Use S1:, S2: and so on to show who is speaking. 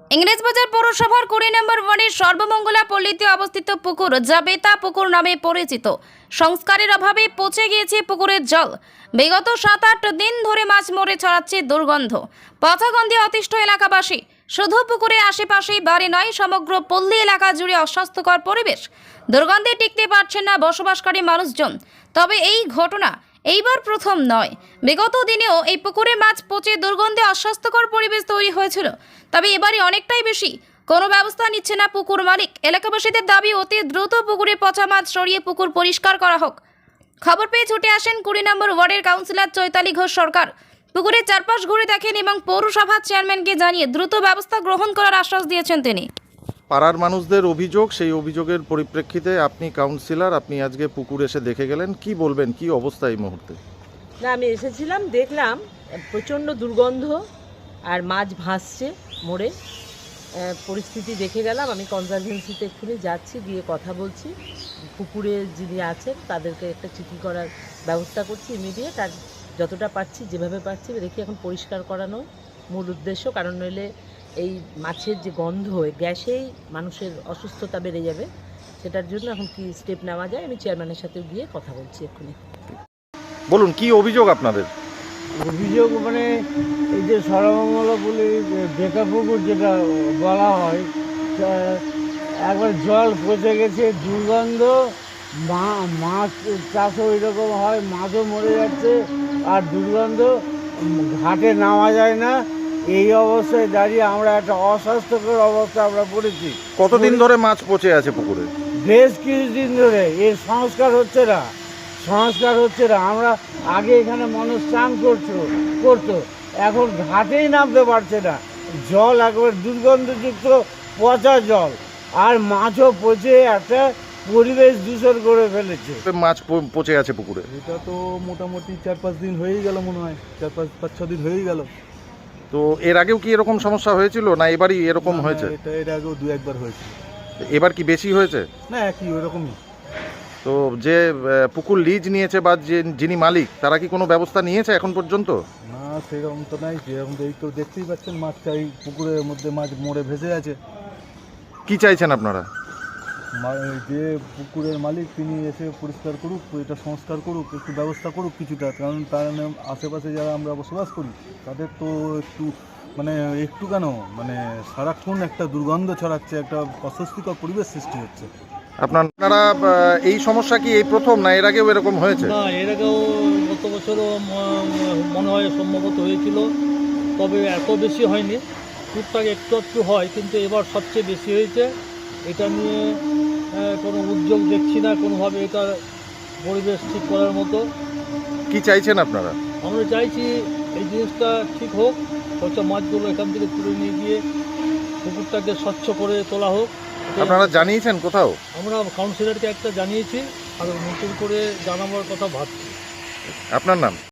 S1: ইংরেজবাজার পৌরসভার 20 নম্বর ওয়ার্ডের সর্বমঙ্গলা পল্লীতে অবস্থিত পুকুর, যা বেতা পুকুর নামে পরিচিত, সংস্কারের অভাবে পচে গিয়েছে পুকুরের জল। বিগত 7-8 দিন ধরে মাছ মরে ছড়াচ্ছে দুর্গন্ধ। পচা গন্ধে অতিষ্ঠ এলাকাবাসী। শুধু পুকুরের আশেপাশেই বাড়ি নয়, সমগ্র পল্লী এলাকা জুড়ে অস্বাস্থ্যকর পরিবেশ। দুর্গন্ধে টিকতে পারছেন না বসবাসকারী মানুষজন। তবে এই ঘটনা এইবার প্রথম নয়। বিগত দিনেও এই পুকুরে মাছ পচে দুর্গন্ধে অস্বাস্থ্যকর পরিবেশ তৈরি হয়েছিল। তবে এবারে অনেকটাই বেশি। কোনো ব্যবস্থা নিচ্ছে না পুকুর মালিক। এলাকাবাসীদের দাবি, অতি দ্রুত পুকুরে পচা মাছ সরিয়ে পুকুর পরিষ্কার করা হোক। খবর পেয়ে ছুটে আসেন 20 নম্বর ওয়ার্ডের কাউন্সিলর চৈতালি ঘোষ সরকার। পুকুরের চারপাশ ঘুরে দেখেন এবং পৌরসভার চেয়ারম্যানকে জানিয়ে দ্রুত ব্যবস্থা গ্রহণ করার আশ্বাস দিয়েছেন তিনি।
S2: পাড়ার মানুষদের অভিযোগ, সেই অভিযোগের পরিপ্রেক্ষিতে আপনি কাউন্সিলর, আপনি আজকে পুকুর এসে দেখে গেলেন। কি বলবেন, কি অবস্থা এই মুহূর্তে?
S3: না, আমি এসেছিলাম, দেখলাম প্রচণ্ড দুর্গন্ধ আর মাছ ভাসছে মরে। পরিস্থিতি দেখে গেলাম। আমি কনজারভেন্সিতে এক্ষুনি যাচ্ছি, গিয়ে কথা বলছি। পুকুরে যিনি আছেন তাদেরকে একটা চিঠি করার ব্যবস্থা করছি ইমিডিয়েট। আর যতটা পারছি, যেভাবে পারছি দেখি এখন পরিষ্কার করানো মূল উদ্দেশ্য। কারণ নইলে এই মাছের যে গন্ধ, গ্যাসেই মানুষের অসুস্থতা বেড়ে যাবে। সেটার জন্য এখন কি স্টেপ নেওয়া যায়, আমি চেয়ারম্যানের সাথে গিয়ে কথা বলছি এক্ষুনি।
S2: বলুন, কি অভিযোগ আপনাদের?
S4: অভিযোগ মানে এই যে সর্বমঙ্গলা বলে বেকা পুকুর যেটা বলা হয়, একবার জল পচে গেছে, দুর্গন্ধ, মাছ চাষও ওইরকম হয়, মাছও মরে যাচ্ছে আর দুর্গন্ধ, ঘাটে নামা যায় না। এই অবস্থায় দাঁড়িয়ে আমরা একটা অস্বাস্থ্যকর অবস্থা আমরা পড়েছি।
S2: কতদিন ধরে মাছ পচে আছে পুকুরে?
S4: বেশ কিছুদিন ধরে এর সংস্কার হচ্ছে না। আমরা আগে এখানে মানুষ স্নান করতো, এখন ঘাটেই নামতে পারছে না। জল একবার দুর্গন্ধযুক্ত পচা জল, আর মাছও পচে একটা পরিবেশ দূষণ করে ফেলেছে।
S2: মাছ পচে আছে পুকুরে?
S5: এটা তো মোটামুটি 4-5 দিন হয়েই গেল, মনে হয় 4-5-6 দিন হয়েই গেল।
S2: তো এর আগেও কি এরকম সমস্যা হয়েছিল, না এবারই এরকম হয়েছে?
S5: এটা এর আগেও 2-1 বার হয়েছে।
S2: এবার কি বেশি হয়েছে?
S5: না, একই ওরকমই।
S2: তো যে পুকুর লিজ নিয়েছে বা যিনি মালিক, তারা কি কোনো ব্যবস্থা নিয়েছে এখন পর্যন্ত?
S5: না, সেরকম তো নাই। যেরকম এই তো দেখতেই পাচ্ছেন, মাছ চাই, পুকুরের মধ্যে মাছ মরে ভেসে আছে।
S2: কি চাইছেন আপনারা?
S5: যে পুকুরের মালিক তিনি এসে পরিষ্কার করুক, এটা সংস্কার করুক, একটু ব্যবস্থা করুক কিছুটা। কারণ তার আশেপাশে যারা আমরা বসবাস করি তাদের তো একটু কেন সারাক্ষণ একটা দুর্গন্ধ ছড়াচ্ছে, একটা অস্বস্তিকর পরিবেশ সৃষ্টি হচ্ছে।
S2: আপনারা এই সমস্যা কি এই প্রথম, না এর আগেও এরকম হয়েছে?
S6: না, এর আগেও গত বছরও মনে হয় সম্ভবত হয়েছিল, তবে এত বেশি হয়নি। টুকটাক একটু হয়, কিন্তু এবার সবচেয়ে বেশি হয়েছে। এটা নিয়ে কোনো উদ্যোগ দেখছি না কোনোভাবে এটা পরিবেশ ঠিক করার মতো।
S2: কি চাইছেন আপনারা?
S6: আমরা চাইছি এই জিনিসটা ঠিক হোক, পচা মাছগুলো এখান থেকে তুলে নিয়ে গিয়ে পুকুরটাকে স্বচ্ছ করে তোলা হোক।
S2: আপনারা জানিয়েছেন কোথাও?
S6: আমরা কাউন্সিলরকে একটা জানিয়েছি, আর নতুন করে জানাবার কথা ভাবছি।
S2: আপনার নাম?